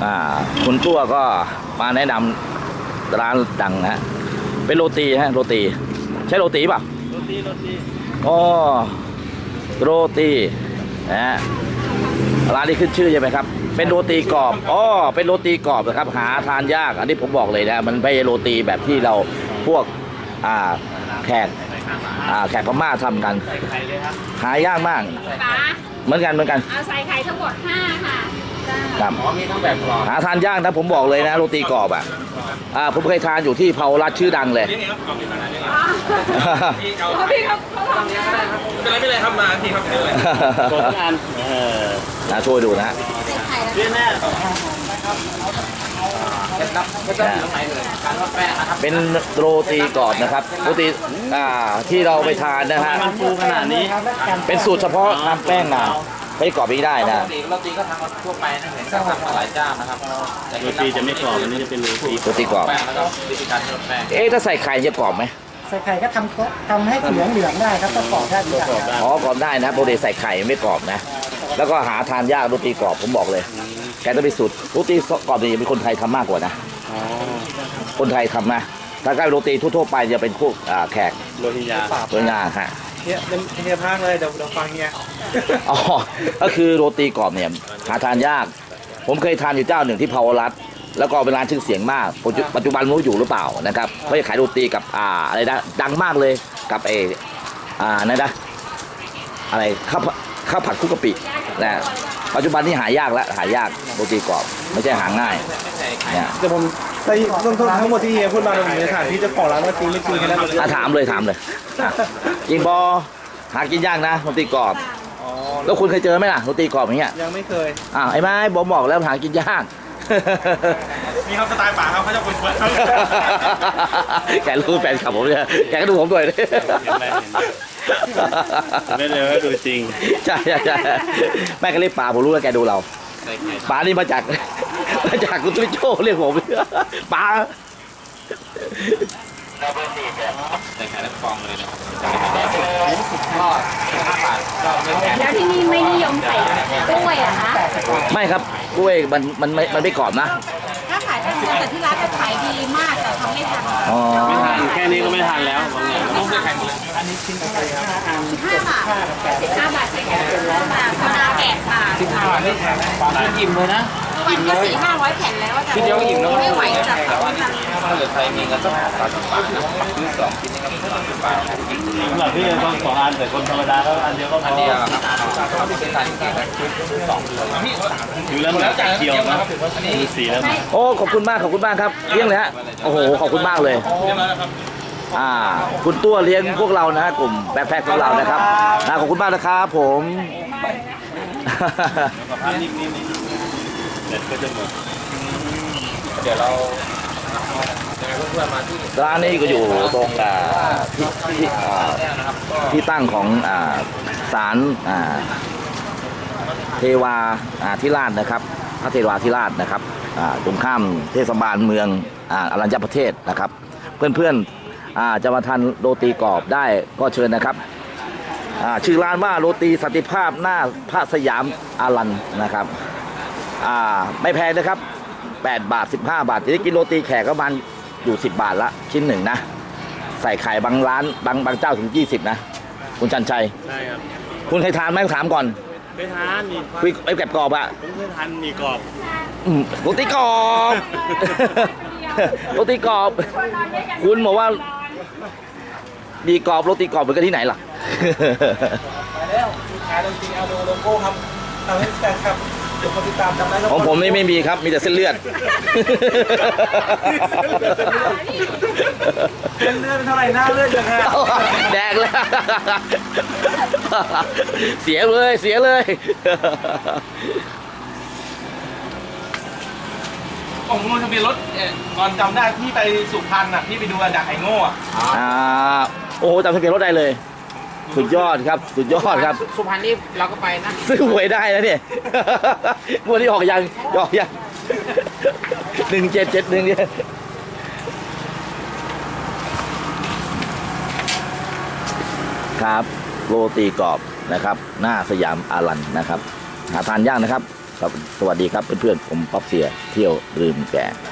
คุณตัวก็มาแนะนำร้านดังนะเป็นโรตีฮะโรตีใช่โรตีป่ะโรตีอ๋อโรตีนะร้านนี้ขึ้นชื่อใช่ไหมครับเป็นโรตีกรอบอ๋อเป็นโรตีกรอบนะครับหาทานยากอันนี้ผมบอกเลยนะมันไม่ใช่โรตีแบบที่เราพวกแขกพม่าทำกันหายากมากเหมือนกันเอาใส่ไข่ทั้งหมด5ค่ะครับมีทั้งแบบกรอบหาทานยากนะผมบอกเลยนะโรตีกรอบผมเคยทานอยู่ที่เผารัดชื่อดังเลยพี่ครับเป็นไรไม่เลยครับมาพี่ครับเลยโชว์งานช่วยดูนะเรียนแน่เป็นโรตีกรอบนะครับโรตีที่เราไปทานนะฮะมันฟูขนาดนี้เป็นสูตรเฉพาะทำแป้งมาไม่กรอบไม่ได้นะโรตีก็ทำมาทั่วไปนะเห็นทำมาหลายเจ้านะครับโรตีจะไม่กรอบอันนี้จะเป็นโรตีกรอบแล้วก็วิธีการทำแป้งถ้าใส่ไข่จะกรอบไหมใส่ไข่ก็ทำให้เหลืองได้ครับก็กรอบได้ดีอ๋อกรอบได้นะโรตีใส่ไข่ไม่กรอบนะแล้วก็หาทานยากโรตีกรอบผมบอกเลยแกต้องไปสูตรโรตีกรอบนี่เป็นคนไทยทำมากกว่านะคนไทยทำนะถ้าใกล้โรตีทั่วไปจะเป็นพวกแขกโรฮิงญาฮะเนี่ยพักเลยเดี๋ยวฟังเนี่ยอ๋อก็คือโรตีกรอบเนี่ยหาทานยากผมเคยทานอยู่เจ้าหนึ่งที่เผารัดแล้วก็เป็นร้านชื่อเสียงมากปัจจุบันไม่รู้อยู่หรือเปล่านะครับเขาจะขายโรตีกับอะไรนะดังมากเลยกับนั่นนะอะไรข้าวผัดคุกกะปินะปัจจุบันที่หายากแล้วหายากโรตีกรอบไม่ใช่หาง่ายเนี่ยแต่ผมทั้งหมดที่เฮียพูดมาผมจะถามพี่เจ้าของร้านว่าจริงไม่จริงแค่นั้นถามเลยจริงบอหากินยากนะโรตีกรอบแล้วคุณเคยเจอไหมล่ะโรตีกรอบอย่างเงี้ยยังไม่เคยไอ้ไม้บอกแล้วหากินยากมีเขาสไตล์ป่าเขาจะคนสวยแกรู้แฟนคลับผมเนี่ยแกก็ดูผมด้วยไม่เลยว่าดูจริงใช่แม่ก็เรียกป่าผมรู้ว่าแกดูเราป่านี่มาจากคุณตุ้ยโจ้เรียกผมป่าใส่ไข่แล้วฟองเลยนะแล้วที่นี่ไม่นิยมใส่กล้วยอะคะไม่ครับกล้วยมันไม่กรอบนะถ้าขายได้เยอะแต่ที่ร้านจะขายดีมากแต่ทำไม่ทันไม่ทันแค่นี้ก็ไม่ทันแล้วต้องใส่ไข่หมดเลยอันนี้ชิ้นเท่าไหร่ครับ 15 บาท15 บาทใส่ไข่15 บาทธรรมดาแกะค่ะ 15 บาทนี่แพงอิ่มเลยนะวันก็400-500 แผ่นแล้วแต่เดียวก็อิ่มแล้วไม่ไหวจับแต่ว่าถ้าเกิดใครมีเงินสัก30 บาทนะซื้อ2 ชิ้นนี่ก็30 บาทสำหรับพี่ต้อง2 อันแต่คนธรรมดาก็อันเดียวก็พออันเดียวครับถ้าไม่ใช่ทานจริงๆนะถือแล้วมันเขียวนะดูสีแล้วโอ้ขอบคุณมากครับเลี้ยงเลยฮะโอ้โหขอบคุณมากเลยคุณตัวเลี้ยงพวกเรานะกลุ่มแบ็คแพ็คของเรานะครับขอบคุณมากนะครับผมเดี๋ยวเราเพื่อนมาที่ร้านนี้ก็อยู่ตรงที่ตั้งของศาลเทวาธิราชนะครับพระเทวาธิราชนะครับตรงข้ามเทศบาลเมืองอรัญญประเทศนะครับเพื่อนๆจะมาทานโรตีกรอบได้ก็เชิญนะครับชื่อร้านว่าโรตีสันติภาพหน้าพระสยามอารันนะครับไม่แพงนะครับ8 บาท 15 บาทที่กินโรตีแขกก็มันอยู่10 บาทละชิ้นหนึ่งนะใส่ไข่บางร้านบางเจ้าถึง20นะคุณชันชัยใช่ครับคุณเคยทานไหมถามก่อนเคยทานนี่คุยไอ้แกบกรอบผมเคยทานมีกรอบโรตีกรอบโรตีกรอบคุณบอกว่าดีกรอบโรตีกรอบเหมือนกันที่ไหนล่ะแล้วขายโรตีเอาโลโก้ครับทำให้แฟนคลับติดตามจำได้ของผมนี่ไม่มีครับมีแต่เส้นเลือดเส้นเลือดเท่าไหร่หน้าเลือดยังไงแดงเลยเสียเลยผมลงทะเบียนรถก่อนจำได้พี่ไปสุพรรณพี่ไปดูอาจากไอ้โง่โอ้โหจำทะเบียนรถได้เลยสุดยอดครับสุพรรณนี่เราก็ไปนะซื้อหวยได้นะเนี่ยวันนี้ออกยัง1771เนี่ยครับโรตีกรอบนะครับหน้าสยามอารันนะครับหาทานยากนะครับครับสวัสดีครับเพื่อนๆผมป๊อปเสียเที่ยวลืมแก่